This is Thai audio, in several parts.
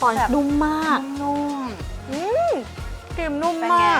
อนแบบนุ่มมากนุ่มครีมนุ่มเป็นไงมาก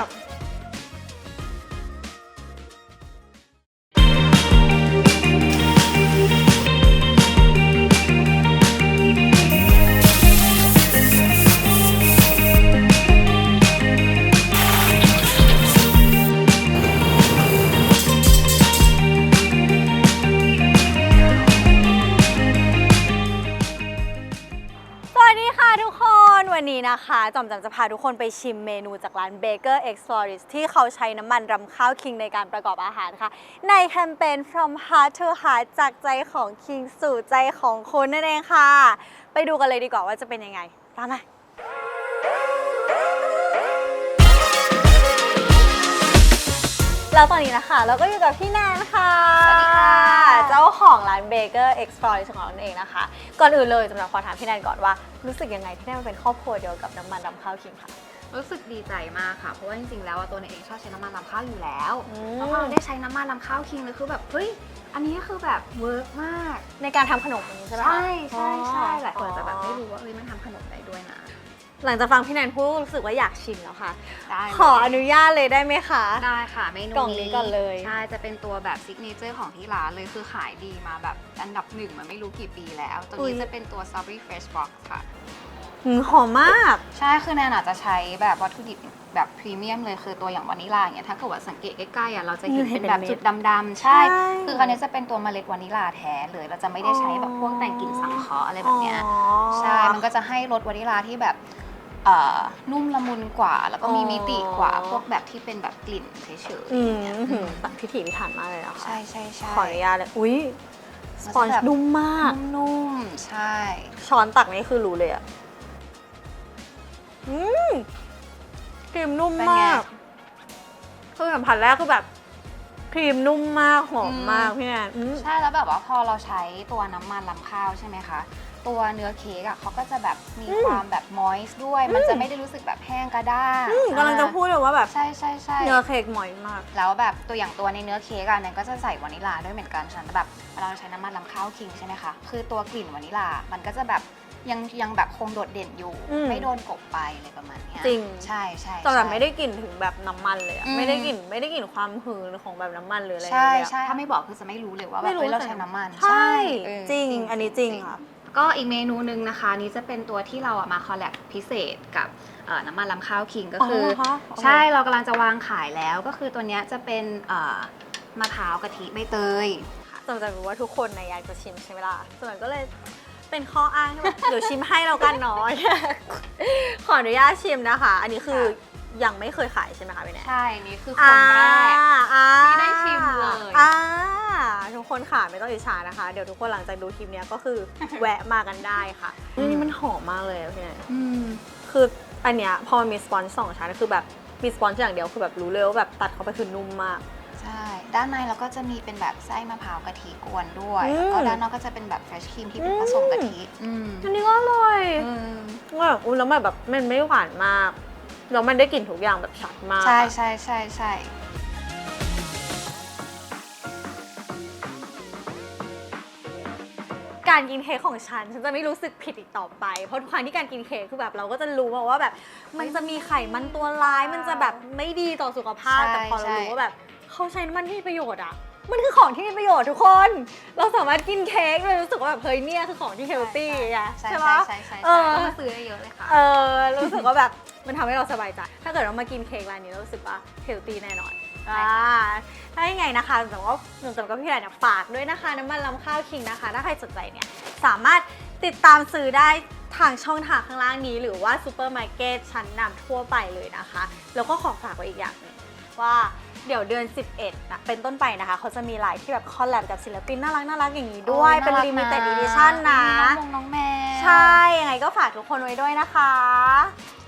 สวัสดีค่ะทุกคนวันนี้นะคะจอมจะพาทุกคนไปชิมเมนูจากร้าน Baker X Florist ที่เขาใช้น้ำมันรำข้าวคิงในการประกอบอาหารค่ะในแคมเปญ From Heart to Heart จากใจของคิงสู่ใจของคุณนั่นเองค่ะไปดูกันเลยดีกว่าว่าจะเป็นยังไงตามมาแล้วตอนนี้นะคะเราก็อยู่กับพี่แนนค่ะสวัสดีค่ะเจ้าของร้าน Baker X Florist ของเราเองนะคะก่อนอื่นเลยจะมาขอถามพี่แนนก่อนว่ารู้สึกยังไงที่ได้มาเป็นครอบครัวเดียวกับน้ำมันรำข้าวคิงค่ะรู้สึกดีใจมากค่ะเพราะว่าจริงๆแล้วตัวเองชอบใช้น้ำมันรำข้าวอยู่แล้วอืมแล้วพอเราได้ใช้น้ำมันรำข้าวคิงเลยคือแบบเฮ้ยอันนี้คือแบบเวิร์กมากในการทำขนมนี้ใช่ไหมคะใช่หลายคนจะแบบไม่อ๋อรู้ว่าเฮ้ยมันทำขนมได้ด้วยนะหลังจากฟังพี่แนนพูดรู้สึกว่าอยากชิมแล้วค่ะได้ขออนุญาตเลยได้ไหมคะได้ค่ะเมนูกล่องนี้ก่อนเลยใช่จะเป็นตัวแบบซิกเนเจอร์ของที่ร้านเลยคือขายดีมาแบบอันดับหนึ่งมาไม่รู้กี่ปีแล้วตัวนี้จะเป็นตัว Strawberry Fresh Box ค่ะหอมมากใช่คือแนนอาจจะใช้แบบวัตถุดิบแบบพรีเมียมเลยคือตัวอย่างวานิลาอย่างเงี้ยถ้าเกิดว่าสังเกตใกล้ๆอ่ะเราจะเห็นเป็นแบบจุดดำๆใช่ คืออันนี้จะเป็นตัวเมล็ดวานิลาแท้เลยเราจะไม่ได้ใช้แบบพวกแต่งกลิ่นสังเคราะห์อะไรแบบเนี้ยใช่มันก็จะให้รสวานิลาที่แบบนุ่มละมุนกว่า แล้วก็มีมิติกว่าพวกแบบที่เป็นแบบกลิ่นเฉยๆอย่างเงี้ยพิถีพิถันมากเลยนะคะใช่ใช่ใช่ขออนุญาตเลยอุ้ยสปอนจ์นุ่มมากนุ่มๆใช่ช้อนตักนี่คือรู้เลยอะครีมนุ่มมากคือสัมผัสแรกคือแบบครีมนุ่มมากหอมมากพี่แนนใช่แล้วแบบว่าพอเราใช้ตัวน้ำมันรำข้าวใช่ไหมคะตัวเนื้อเค้กอ่ะเขาก็จะแบบมีความแบบมอยส์ด้วย มันจะไม่ได้รู้สึกแบบแห้งกระด้างกำลังจะพูดเลยว่าแบบใช่ใช่ใช่เนื้อเค้กหมอยมากแล้วแบบตัวอย่างตัวในเนื้อเค้กอ่ะเนี่ยก็จะใส่วานิลาด้วยเหมือนกันฉะนั้นแบบเวลาเราใช้น้ำมันรำข้าวคิงใช่ไหมคะคือตัวกลิ่นวานิลามันก็จะแบบยังแบบคงโดดเด่นอยู่ ไม่โดนกลบไปอะไรประมาณเนี้ยจริงใช่ใช่แต่แบบไม่ได้กลิ่นถึงแบบน้ำมันเลยอะอืมไม่ได้กลิ่นความหืนของแบบน้ำมันหรืออะไรใช่เลยอะใช่ถ้าไม่บอกคือจะไม่รู้เลยว่าแบบไม่รู้เฮ้ยเราใช้น้ำมันใช่เออจริงอันนี้จริงค่ะก็อีกเมนูหนึ่งนะคะนี้จะเป็นตัวที่เราอะมาคอลแลบพิเศษกับน้ำมันลำข้าวคิงก็คือเหรอคะใช่เรากำลังจะวางขายแล้วก็คือตัวเนี้ยจะเป็นมะพร้าวกะทิใบเตยจำจะรู้ว่าทุกคนนะอยากจะชิมใช่ไหมล่ะส่วนก็เลยเป็นข้ออ้างที่แบบ เดี๋ยวชิมให้เรากันเนาะ ขออนุญาตชิมนะคะ อันนี้คือยังไม่เคยขายใช่ไหมคะพี่แนนใช่นี่คือคนแรก ที่ได้ชิมเลยทุกคนค่ะไม่ต้องอิจฉานะคะ เดี๋ยวทุกคนหลังจากดูคลิปเนี้ยก็คือ แวะมากันได้ค่ะนี่มันหอมมากเลยอะพี่แนน คืออันเนี้ยพอมีสปอนจ์2ชั้นคือแบบมีสปอนจ์อย่างเดียวคือแบบรู้เลยว่าแบบตัดเข้าไปคือนุ่มมากใช่ด้านในเราก็จะมีเป็นแบบไส้มะพร้าวกะทิกวนด้วยแล้วก็ด้านนอกก็จะเป็นแบบเฟรชครีมที่เป็นผสมกะทิอันนี้ก็อร่อยมอุ้ยแล้วแบบมันไม่หวานมากแล้วมันได้กลิ่นทุกอย่างแบบชัดมากใช่ใช่ใช่ใช่การกินเค้กของฉันจะไม่รู้สึกผิดอีกต่อไปเพราะทุกครั้งที่การกินเค้กคือแบบเราก็จะรู้ว่าแบบมันจะมีไขมันตัวร้ายมันจะแบบไม่ดีต่อสุขภาพแต่พอเรารู้ว่าแบบเขาใช้น้ำมันที่มีประโยชน์อ่ะมันคือของที่มีประโยชน์ทุกคน เราสามารถกินเค้กเลยรู้สึกว่าแบบเฮ้ยเนี่ยคือของที่เฮลตี้อะใช่ปะใช่ใช่เออต้องมาซื้อเยอะเลยค่ะรู้สึกว่าแบบมันทำให้เราสบายใจถ้าเกิดเรามากินเค้กร้านนี้เรารู้สึกว่าเฮลตี้แน่นอนถ้ายังไงนะคะแต่ว่าหนูจำกับพี่ไหนเนี่ยฝากด้วยนะคะน้ำมันลำข้าวคิงนะคะถ้าใครสนใจเนี่ยสามารถติดตามซื้อได้ทางช่องทางข้างล่างนี้หรือว่าซูเปอร์มาร์เก็ตชั้นนำทั่วไปเลยนะคะแล้วก็ขอฝากไว้อีกอย่างหนึงว่าเดี๋ยวเดือน 11นะเป็นต้นไปนะคะเขาจะมีไลน์ที่แบบคอลแลบกับศิลปินน่ารักอย่างนี้ด้วยเป็น limited edition นะน้องแม่ใช่ยังไงก็ฝากทุกคนไว้ด้วยนะคะ